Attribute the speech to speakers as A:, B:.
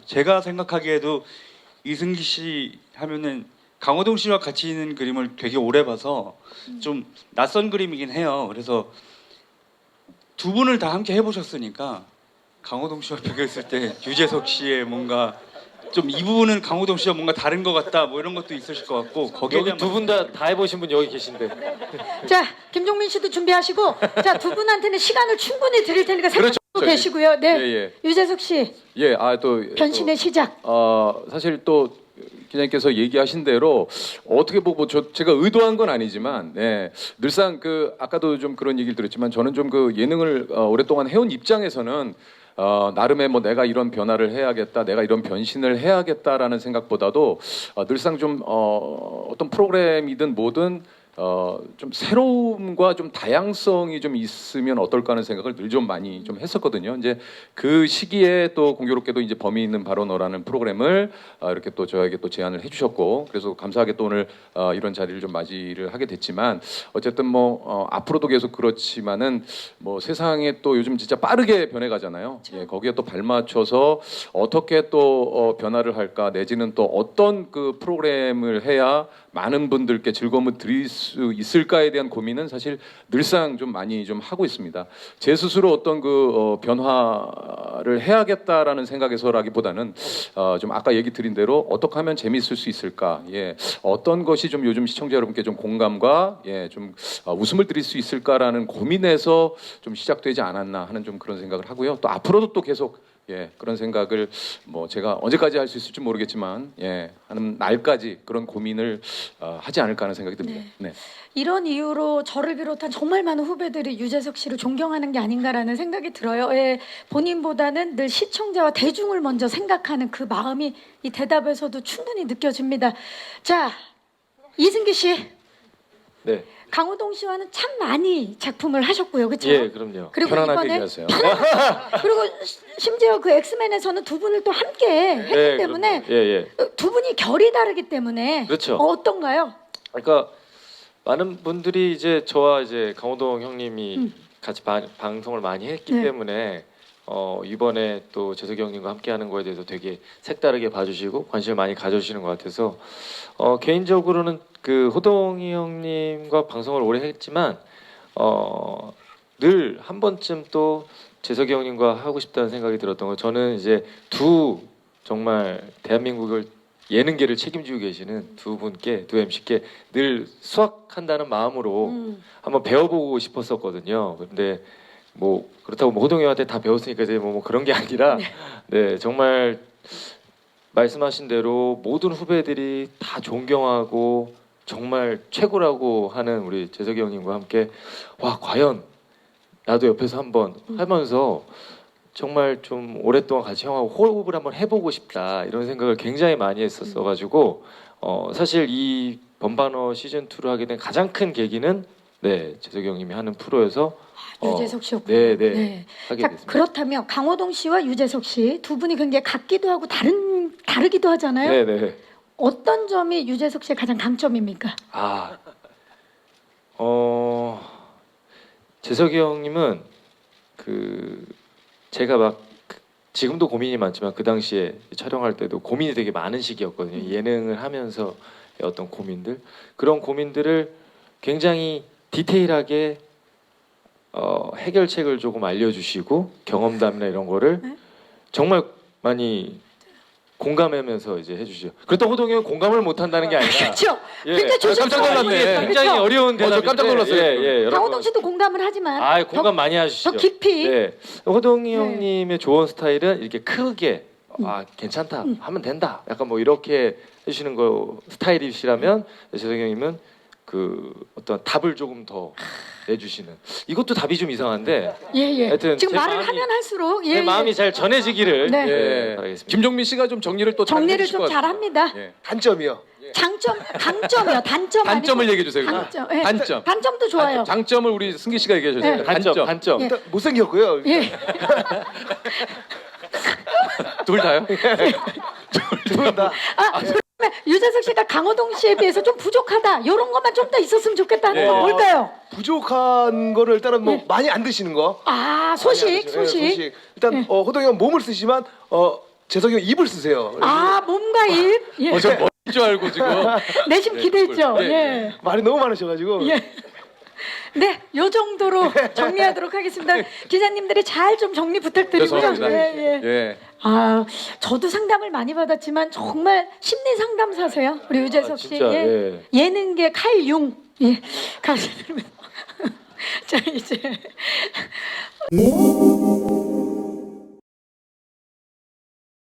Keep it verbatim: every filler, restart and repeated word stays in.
A: 제가 생각하기에도 이승기 씨 하면은 강호동 씨와 같이 있는 그림을 되게 오래 봐서 좀 낯선 그림이긴 해요. 그래서 두 분을 다 함께 해보셨으니까 강호동 씨와 비교했을 때 유재석 씨의 뭔가 좀 이 부분은 강호동 씨와 뭔가 다른 것 같다 뭐 이런 것도 있으실 것 같고 거기에
B: 여기
A: 대한
B: 두 분 다 다 해보신 분 여기 계신데.
C: 자, 김종민 씨도 준비하시고, 자, 두 분한테는 시간을 충분히 드릴 테니까 생각하고
D: 그렇죠.
C: 계시고요. 네,
D: 예, 예.
C: 유재석 씨
D: 예, 아 또
C: 변신의 시작.
D: 어 사실 또 기자님께서 얘기하신 대로 어떻게 보고 저 제가 의도한 건 아니지만 예, 늘상 그 아까도 좀 그런 얘기를 들었지만 저는 좀 그 예능을 어, 오랫동안 해온 입장에서는 어, 나름의 뭐 내가 이런 변화를 해야겠다, 내가 이런 변신을 해야겠다라는 생각보다도 어, 늘상 좀 어, 어떤 프로그램이든 뭐든 어, 좀 새로움과 좀 다양성이 좀 있으면 어떨까 하는 생각을 늘 좀 많이 좀 했었거든요. 이제 그 시기에 또 공교롭게도 이제 범위 있는 발언어라는 프로그램을 어, 이렇게 또 저에게 또 제안을 해주셨고, 그래서 감사하게 또 오늘 어, 이런 자리를 좀 맞이를 하게 됐지만, 어쨌든 뭐 어, 앞으로도 계속 그렇지만은 뭐 세상에 또 요즘 진짜 빠르게 변해가잖아요. 예, 거기에 또 발맞춰서 어떻게 또 어, 변화를 할까, 내지는 또 어떤 그 프로그램을 해야 많은 분들께 즐거움을 드릴 수 있을까에 대한 고민은 사실 늘상 좀 많이 좀 하고 있습니다. 제 스스로 어떤 그 어, 변화를 해야겠다라는 생각에서라기보다는 어, 좀 아까 얘기 드린 대로 어떻게 하면 재미있을 수 있을까, 예, 어떤 것이 좀 요즘 시청자 여러분께 좀 공감과 예, 좀 어, 웃음을 드릴 수 있을까라는 고민에서 좀 시작되지 않았나 하는 좀 그런 생각을 하고요. 또 앞으로도 또 계속 예, 그런 생각을 뭐 제가 언제까지 할 수 있을지 모르겠지만 예, 하는 날까지 그런 고민을 어, 하지 않을까 하는 생각이 듭니다. 네.
C: 이런 이유로 저를 비롯한 정말 많은 후배들이 유재석 씨를 존경하는 게 아닌가라는 생각이 들어요. 예, 본인보다는 늘 시청자와 대중을 먼저 생각하는 그 마음이 이 대답에서도 충분히 느껴집니다. 자, 이승기 씨,
B: 네.
C: 강호동 씨와는 참 많이 작품을 하셨고요, 그렇죠?
B: 예, 그럼요.
C: 그리고
D: 편안하게
C: 이번에
D: 얘기하세요.
C: 그리고 시- 심지어 그 엑스맨에서는 두 분을 또 함께 했기
B: 예,
C: 때문에
B: 그럼요. 예, 예.
C: 두 분이 결이 다르기 때문에
B: 그렇죠.
C: 어, 어떤가요?
B: 그러니까 많은 분들이 이제 저와 이제 강호동 형님이
C: 음.
B: 같이 바, 방송을 많이 했기
C: 네.
B: 때문에 어, 이번에 또 재석이 형님과 함께하는 거에 대해서 되게 색다르게 봐주시고 관심을 많이 가져주시는 것 같아서 어, 개인적으로는 그 호동이 형님과 방송을 오래 했지만 어, 늘 한 번쯤 또 재석이 형님과 하고 싶다는 생각이 들었던 거, 저는 이제 두 정말 대한민국을 예능계를 책임지고 계시는 두 분께, 두 엠씨께 늘 수학한다는 마음으로
C: 음.
B: 한번 배워보고 싶었었거든요. 근데 뭐 그렇다고 뭐 호동이 형한테 다 배웠으니까 이제 뭐, 뭐 그런 게 아니라 네, 정말 말씀하신 대로 모든 후배들이 다 존경하고 정말 최고라고 하는 우리 재석이 형님과 함께 와, 과연 나도 옆에서 한번 하면서 정말 좀 오랫동안 같이 형하고 호흡을 한번 해보고 싶다, 이런 생각을 굉장히 많이 했었어 가지고 어, 사실 이 번반어 시즌 투를 하게 된 가장 큰 계기는 네, 재석이 형님이 하는 프로여서 어,
C: 유재석 씨였군요.
B: 네, 네. 하게
C: 자,
B: 됐습니다.
C: 그렇다면 강호동 씨와 유재석 씨 두 분이 굉장히 같기도 하고 다른 다르기도 하잖아요.
B: 네, 네.
C: 어떤 점이 유재석 씨의 가장 강점입니까?
B: 아, 어, 재석이 형님은 그 제가 막 그- 지금도 고민이 많지만 그 당시에 촬영할 때도 고민이 되게 많은 시기였거든요. 예능을 하면서의 어떤 고민들, 그런 고민들을 굉장히 디테일하게 어, 해결책을 조금 알려주시고 경험담이나 이런 거를
C: 네?
B: 정말 많이 공감하면서 이제 해주시죠. 그렇다고 호동이 형은 공감을 못한다는 게 아니라
C: 그렇죠.
B: 예.
C: 굉장히
B: 아, 깜짝
C: 조심스러워요.
B: 놀랐네. 굉장히
C: 그렇죠?
B: 어려운
D: 어, 저
B: 대답인데
D: 깜짝 놀랐어요.
B: 예, 예, 여러분.
C: 강호동 씨도 공감을 하지만
B: 아,
C: 더,
B: 공감 많이 하시죠.
C: 더 깊이
B: 네. 호동이
C: 네.
B: 형님의 조언 스타일은 이렇게 크게 아, 괜찮다.
C: 음.
B: 하면 된다. 약간 뭐 이렇게 해주시는 거 스타일이시라면 재석이 형님은 그 어떤 답을 조금 더 내주시는, 이것도 답이 좀 이상한데
C: 예, 예.
B: 하여튼
C: 지금
B: 제
C: 말을
B: 마음이-
C: 하면 할수록 예,
B: 제
C: 예.
B: 마음이 잘 전해지기를
C: 네.
B: 예,
D: 예.
B: 바라겠습니다.
D: 김종민 씨가 좀 정리를 또 잘
C: 정리를
D: 해주실
C: 좀
D: 것 같아요.
C: 잘합니다.
D: 예.
E: 단점이요.
C: 장점, 강점이요. 단점
D: 단점을
C: 아니고
D: 얘기해 주세요. 그럼.
C: 단점. 예.
D: 단점.
C: 단점도 좋아요.
D: 장점을 우리 승기 씨가 얘기해 주세요.
C: 네.
B: 단점, 단점.
C: 예.
E: 일단 못생겼고요.
C: 예.
D: 둘 다요?
E: 둘 다.
C: 아, 그러면 유재석 씨가 강호동 씨에 비해서 좀 부족하다. 이런 것만 좀 더 있었으면 좋겠다는
D: 예.
C: 건 뭘까요?
E: 부족한 거를 일단은 뭐
C: 네.
E: 많이 안 드시는 거.
C: 아,
E: 많이 안
C: 소식,
E: 드시는 거. 예,
C: 소식.
E: 일단
C: 네.
E: 어, 호동이 형 몸을 쓰지만 어, 재석이 형 입을 쓰세요.
C: 아 몸과 입. 예.
D: 어, 저 머리인 줄 알고 지금.
C: 내심
D: 네,
C: 기대했죠.
D: 네,
C: 예.
D: 네.
E: 말이 너무 많으셔가지고.
C: 예. 네, 요 정도로 정리하도록 하겠습니다. 기자님들이 잘 좀 정리 부탁드리고요.
D: 죄송합니다.
C: 예, 예.
D: 예.
C: 아, 저도 상담을 많이 받았지만 정말 심리 상담사세요. 우리 유재석
B: 아,
C: 씨.
B: 진짜,
C: 예.
B: 예.
C: 예능계 칼융. 예. 감사드립니다. 자, 이제